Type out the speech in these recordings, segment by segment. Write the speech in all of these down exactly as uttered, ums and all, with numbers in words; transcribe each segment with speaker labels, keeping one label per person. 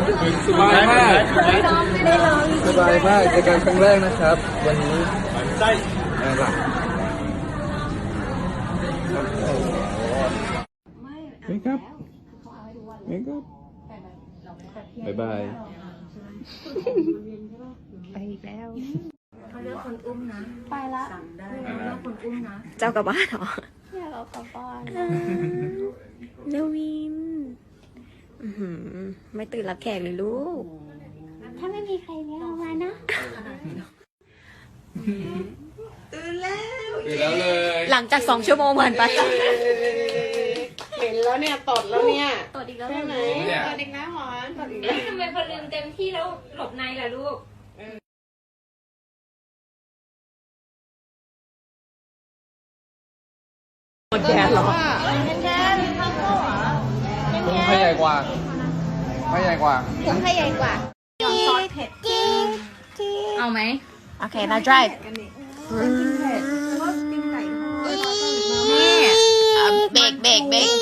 Speaker 1: สบายมากสบายมากในการครั้งแรกนะครับ วันนี้ใช่หลักไม่ครับไม่ครับบ๊ายบาย
Speaker 2: ไปอีกแล้ว
Speaker 3: เขาเลือกคนอุ้มนะ
Speaker 2: ไปละ
Speaker 3: เลือกคนอุ้มนะ
Speaker 2: เจ้ากลับบ้านเหรอ
Speaker 4: อยากเอากลับบ้าน
Speaker 2: เลวินอื้อหือไม่ตื่นรับแขกเลยลูก
Speaker 4: ถ้าไม่มีใครเลี้ยงเอามานะ
Speaker 3: ตื่นแล้ว
Speaker 1: ตื่นแล้วเลย
Speaker 2: หลังจากสองชั่วโมงผ่านไป
Speaker 3: เห็นแล้วเนี่ยตดแล้วเนี่ย
Speaker 4: ตรวจอีกแล้ว
Speaker 3: ใช่ไหม
Speaker 1: เนี่ย
Speaker 3: ตดอีกแล้วหมอนตดอีกแล้ว
Speaker 4: ทำไมพอลืมเต็มที่แล้วหลบในล่ะลูก
Speaker 2: หมดแก๊สเหรอ
Speaker 1: พุงใครใหญ่กว่าใครใหญ่กว่า
Speaker 4: ผมให้ใหญ่กว่า เอาไหม
Speaker 2: โอเค now drive
Speaker 4: นี่
Speaker 2: เบรกเบรกเบรก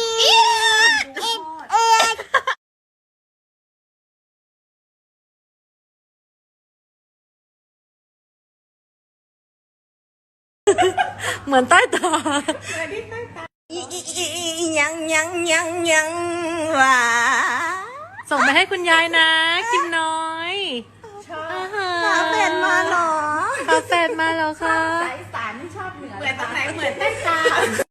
Speaker 2: เหมือนใต้ตายังยังยังยังว่ะส่งไปให้คุณยายนะ กินน้อยฝาแฝดมาเหรอฝาแฝดมาแล้วค่ะ
Speaker 3: เหมือนตรงไหนเหมือนใต้ตา